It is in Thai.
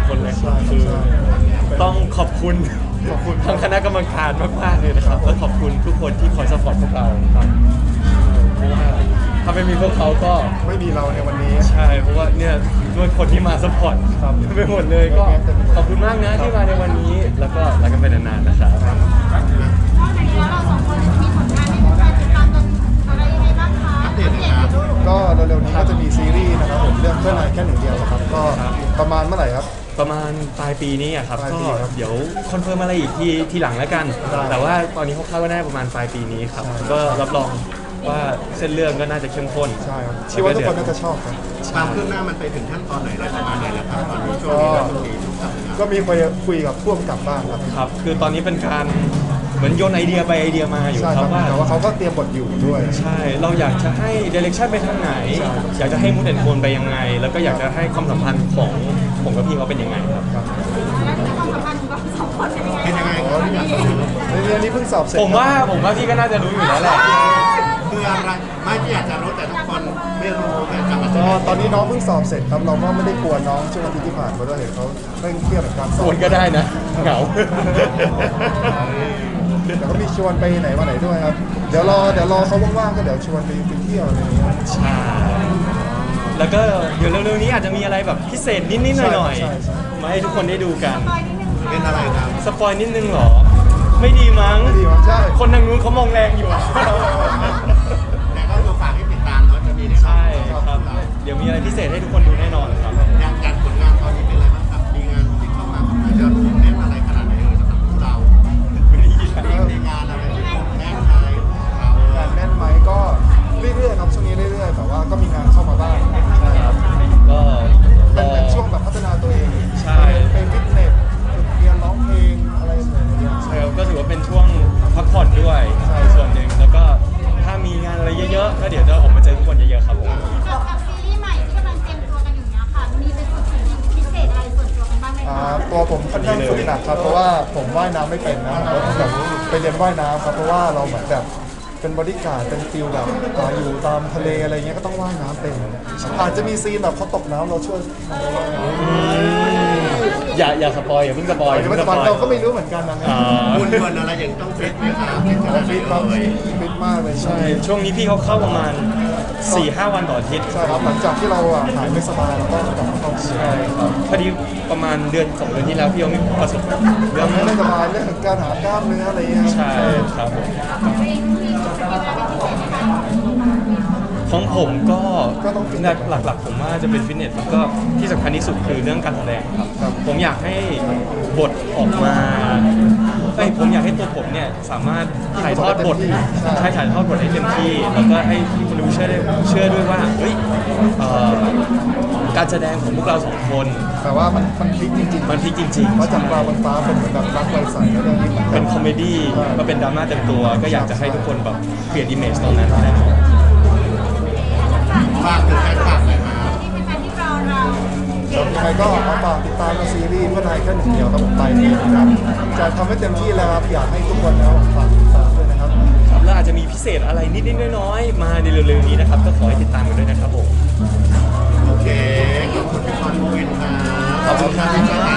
คนเลยคือต้องขอบคุณทางคณะกรรมการมากๆเลยนะครับและขอบคุณทุกคนที่คอยซัพพอร์ตพวกเราครับเพราะว่าถ้าไม่มีพวกเขาก็ไม่มีเราในวันนี้ใช่เพราะว่าเนี่ยด้วยคนที่มาซัพพอร์ตไปหมดเลยก็ขอบคุณมากนะที่มาในวันนี้แล้วก็รักกันไปนานๆนะครับนอกจากนี้แล้วเราสองคนมีผลงานให้แฟนติดตามกันอะไรยังไงบ้างคะอัปเดตครับก็เร็วๆนี้ก็จะมีซีรีส์นะครับผมเรื่องเพื่อนนายแค่หนึ่งเดียวนะครับก็ประมาณเมื่อไหร่ครับประมาณปลายปีนี้อะครับปลายก็ปีครับเดี๋ยวคอนเฟิร์มอะไรอีกทีหลังแล้วกันได้แต่ว่าตอนนี้เขาคาดว่าน่าประมาณปลายปีนี้ครับก็รับรองว่าเส้นเรื่องก็น่าจะเข้มข้นใช่ครับเชื่อว่าทุกคนน่าจะชอบครับความคืบหน้ามันไปถึงขั้นตอนไหนแล้วประมาณไหนแล้วครับตอนนี้ช่วงนี้เราต้องมีทุกสัปดาห์ก็มีคุยกับพ่วงกับบ้างครับครับคือตอนนี้เป็นการเหมือนโยนไอเดียไปไอเดียมาอยู่ใช่คครัรับบ ว่าแต่ว่าเขาก็เตรียมบทอยู่ด้วยใช่เราอยากจะให้เดเรคชั่นไปทางไหนใช่อยากจะให้มูดแอนโทนไปยังไง แล้วก็อยากจะให้ความสัมพันธ์ของผมกับพี่เขาเป็นยังไงครับครับแล้วความสัมพันธ์ของเราสองคนเป็นยังไงเป็นยังไงครับที่อยากจะรู้ในเรื่องนี้เพิ่งสอบเสร็จผมว่าพี่ก็น่าจะรู้อยู่แล้วแหละคืออะไรไม่ที่อยากจะรู้แต่ทุกคนไม่รู้แต่กลับมาจะก็ตอนนี้น้องเพิ่งสอบเสร็จครับเราก็ไม่ได้กลัวน้องช่วงอาทิตย์ที่ผ่านมาด้วยเห็นเขาเร่งเครียดกับการสคอบวรก็ได้นะเหงาแต่ก็มีชวนไปไหนมาไหนด้วยครับเดี๋ยวรอเขาว่างๆก็เดี๋ยวชวนไปเที่ยวอะไรอย่างเงี้ยใช่ แล้วก็เดี๋ยวเร็วๆนี้อาจจะมีอะไรแบบพิเศษนิดๆหน่อยใช่ๆมาให้ทุกคนได้ดูกันคอยนิดนึงเป็นอะไรครับสปอยนิดนึงเหรอ ไม่ดีมั้งไม่ดีมั้งใช่คนทางนู้นเขามองแรงอยู่อะแต่ก็คือฝากให้ติดตามเนาะจะมีในใช่ครับ เดี๋ยวมีอะไรพิเศษให้ทุกคนดูแน่นอนครับอย่างการผลงานตอนนี้เป็นอะไรบ้างครับมีงานที่เข้ามาของเราจะเน้นอะไรขนาดไหนสำหรับพวกเราในงานอะไรที่แน่นไทยเรางานแน่นไหมก็เรื่อยๆครับช่วงนี้เรื่อยๆแต่ว่าก็มีงานเข้ามาบ้างใช่ครับก็เป็นช่วงแบบพัฒนาตัวเองใช่ไปฟิตเนสเรียนร้องเพลงอะไรแบบนี้ใช่ครับก็ถือว่าเป็นช่วงพักผ่อนด้วยใช่ส่วนหนึ่งแล้วก็ถ้ามีงานอะไรเยอะๆก็เดี๋ยวจะออกมาเจอทุกคนเยอะๆครับผมกับซีรีส์ใหม่ที่กำลังเตรียมตัวกันอยู่เนี้ยค่ะ มีเป็นฝึกฝนพิเศษอะไรส่วนตัวกันบ้างไหมคะตัวผมค่อนข้างฝึกหนักครับเพราะว่าผมว่ายน้ำไม่เป็นนะผมแบบไปเรียนว่ายน้ำครับเพราะว่าเราเหมือนแบบเป็นบอดี้การ์ดเป็นฟิลแบบอยู่ตามทะเลอะไรเงี้ยก็ต้องว่ายน้ำเป็นอาจจะมีซีนแบบเขาตกน้ำเราช่วยมันไปว่ายน้ำอย่าสปอยอย่าเพิ่งสปอยเดี๋ยวมันจะมันเราก็ไม่รู้เหมือนกันนะคุณเงินอะไรอย่างต้องฟิตไหมครับฟิตขนาดไหนฟิตครับเลยฟิตมากเลยใช่ช่วงนี้พี่เขาเข้าประมาณ 4-5 วันต่ออาทิตย์ใช่ครับหลังจากที่เราหายไม่สบายเราก็กลับมาเข้าใช่ครับพอดีประมาณเดือน2 เดือนที่แล้วพี่เขามีประสบเรื่ยัองงไม่สบายเรื่องของการหากล้ามเนื้ออะไรเงี้ยใช่ครับผมตัวเองมีฝึกสกิลอะไรเป็นพิเศษไหมคะของผมก็ต้องฟิตหลักๆผมว่าจะเป็นฟิตเนสแล้วก็ที่สำคัญที่สุดคือเรื่องการแสดงครับผมอยากให้บทออกมาผมอยากให้ตัวผมเนี่ยสามารถถ่ายทอดบทใช่ถ่ายทอดบทให้เต็มที่แล้วก็ให้คนดูเชื่อด้วยว่าเฮ้ยการแสดงของพวกเราสองคนแต่ว่ามันพลิกจริงๆมันพลิกจริงเพราะจากปลาบนฟ้าเป็นเหมือนแบบรักไวใสแล้วเรื่องนี้ๆ เป็นคอมเมดี้มาเป็นดราม่าเต็มตัว ก็อยากจะให้ทุกคนแบบเปลี่ยนอิมเมจตรงนั้นแน่นอนฝากถึงแฟนคลับหน่อยครับที่เป็นแฟนที่รอเรายังไงก็เอาฝากติดตามซีรีส์เพื่อนายแค่หนึ่งเดียวครับผมไปนี่นะครับจะทำให้เต็มที่แล้วครับอยากให้ทุกคนแล้วฝากติดตามด้วยนะครับครับแล้วอาจจะมีพิเศษอะไรนิดๆน้อยๆมาในเร็วๆนี้นะครับก็ขอให้ติดตามกันด้วยนะครับผมโอเคขอบคุณทุกคนเวนครับขอบคุณครับ